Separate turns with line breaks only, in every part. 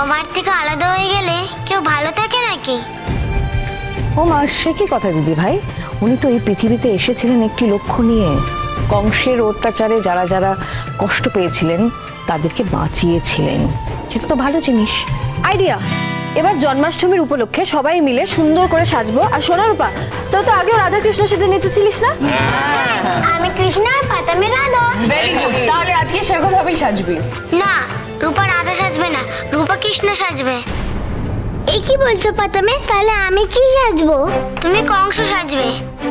মার থেকে আলাদা হয়ে গেলে কেউ ভালো থাকে নাকি?
ও মা, সে কি কথা দিদি ভাই? উনি তো এই পৃথিবীতে এসেছিলেন একটি লক্ষ্য নিয়ে। কংসের অত্যাচারে যারা যারা কষ্ট পেয়েছিলেন তাদেরকে বাঁচিয়েছিলেন, সেটা তো ভালো জিনিস।
আইডিয়া, এবার জন্মাষ্টমীর উপলক্ষে সবাই মিলে সুন্দর করে সাজবো। আর সোনার রূপা, তো আগেও রাধা কৃষ্ণ সেজে নেচেছিলিস না?
আমি কৃষ্ণ আর পাতামে রাধা।
ভেরি গুড, তাহলে আজকে সেরকম ভাবেই সাজবি।
না, রূপা রাধা সাজবে না, রূপা কৃষ্ণ সাজবে। এই কি বলছো পাতামে? তাহলে আমি কি সাজবো? তুমি কংস সাজবে।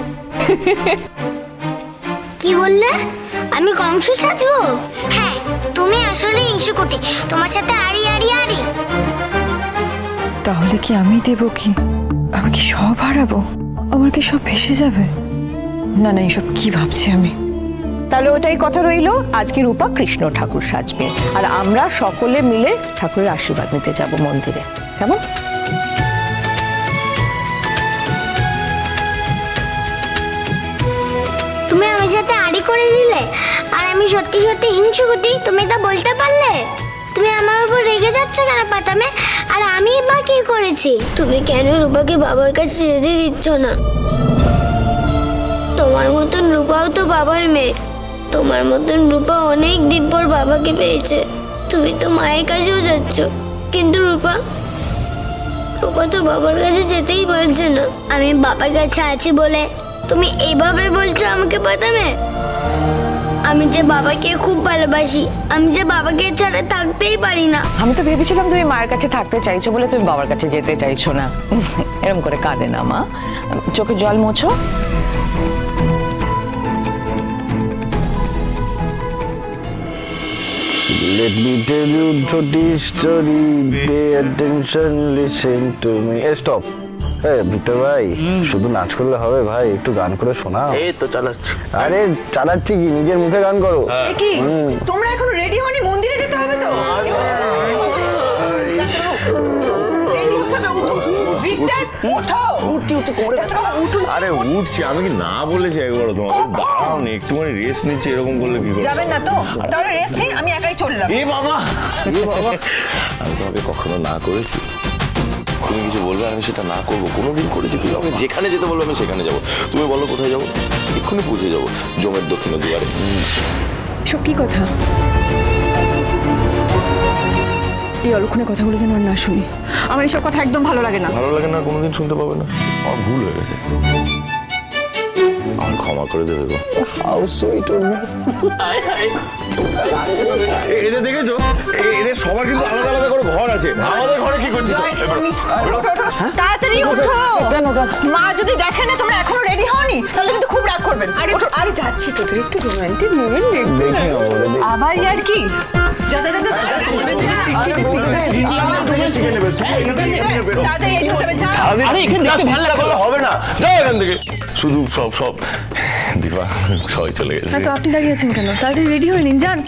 কি বললে? আমি কংস সাজবো? হ্যাঁ, তুমি আসলে হিংসুকুটি, তোমার সাথে আড়ি আড়ি আড়ি।
তাহলে কি আমি দেব? কি আমি কি সব হারাবো? আমার কি সব ভেসে যাবে? না না, এইসব কি ভাবছি আমি?
তাহলে ওটাই কথা রইলো, আজকে রূপা কৃষ্ণ ঠাকুর সাজবে আর আমরা সকলে মিলে ঠাকুরের আশীর্বাদ নিতে যাব মন্দিরে। কেমন?
তুমি আমার সাথে আড়ি করে দিলে, আর আমি সত্যি সত্যি হিংসুকুটি, তুমি তা বলতে পারলে? তুমি আমার উপর রেগে যাচ্ছ কেন পাতামে? আর আমি বা কি করেছি? তুমি কেন রূপাকে বাবার কাছে যেতে দিচ্ছ না? তোমার মতন রূপাও তো বাবার মেয়ে। তোমার মতন রূপা অনেক দিন পর বাবাকে পেয়েছে। তুমি তো মায়ের কাছেও যাচ্ছ, কিন্তু রূপা তো বাবার কাছে যেতেই পারছে না। আমি বাবার কাছে আছি বলে তুমি এইভাবে বলছো আমাকে পাতামে? আমি যে বাবাকে খুব ভালোবাসি, আমি যে বাবাকে ছাড়া থাকতেই পারি না।
আমি তো ভেবেছিলাম তুমি মায়ের কাছে থাকতে চাইছো বলে তুমি বাবার কাছে যেতে চাইছো না। এরকম করে কাঁদে না মা, চোখে জল মোছো।
Let me tell you the story. Pay attention, listen to me. Stop. Victor ভাই, শুধু নাচ করলে হবে ভাই? একটু গান করে শোনাও।
এই তো চালাচ্ছি।
আরে চালাচ্ছি কি, নিজের মুখে গান করো।
কি তোমরা এখন রেডি হওনি? মন্দিরে যেতে হবে তো।
আরে উঠছি, আমি কি না বলেছি একবার তোমাকে? দাঁড়াও না, একটুখানি রেস্ট নিচ্ছি, এরকম করলে কি করে?
যাবেন না তো? তাহলে রেস্ট নিন, আমি একাই চললাম।
এ বাবা, আমি তোমাকে কখনো না করেছি? তুমি কিছু বলবে, আমি সেটা না করবো? কোনোদিন করেছি? তুমি আমি যেখানে যেতে বলবো আমি সেখানে যাবো। তুমি বলো কোথায় যাবো, এক্ষুনি পৌঁছে যাবো জমের দক্ষিণ দুয়ারে।
সব কি কথা? এই অলক্ষণে কথাগুলো যেন আর না শুনি। আমার এসব কথা একদম ভালো লাগে না।
ভালো লাগে না, কোনোদিন শুনতে পাবে না। আমার ভুল হয়ে গেছে, আমার ক্ষমা করে দেবে গো।
How sweet of me.
এদের দেখেছো, এদের সবার কিন্তু আলাদা আলাদা করে ঘর আছে। আমাদের ঘরে কি করছিস?
তাড়াতাড়ি ওঠো। মা যদি দেখে না তোমরা এখনো রেডি হওনি, তাহলে কিন্তু খুব রাগ করবেন। আরে যাচ্ছি, তোদের একটু রোমান্টিক মোমেন্ট
দেখি না বলে দেখি।
আবার আর কি? যা যা যা যা, তাড়াতাড়ি রেডি হতে হবে। যা।
আরে এখানে দেখতে ভালো লাগলে হবে না, যাও এখান থেকে। শুধু সব দিবা সবাই চলে গেছে।
তো আপনি দাঁড়িয়ে আছেন কেন? তাড়াতাড়ি রেডি হয়ে নিন, যান।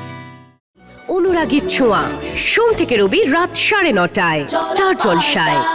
অনুরাগীর ছোঁয়া, সোম থেকে রবি রাত 9:30টায় স্টার জলসায়।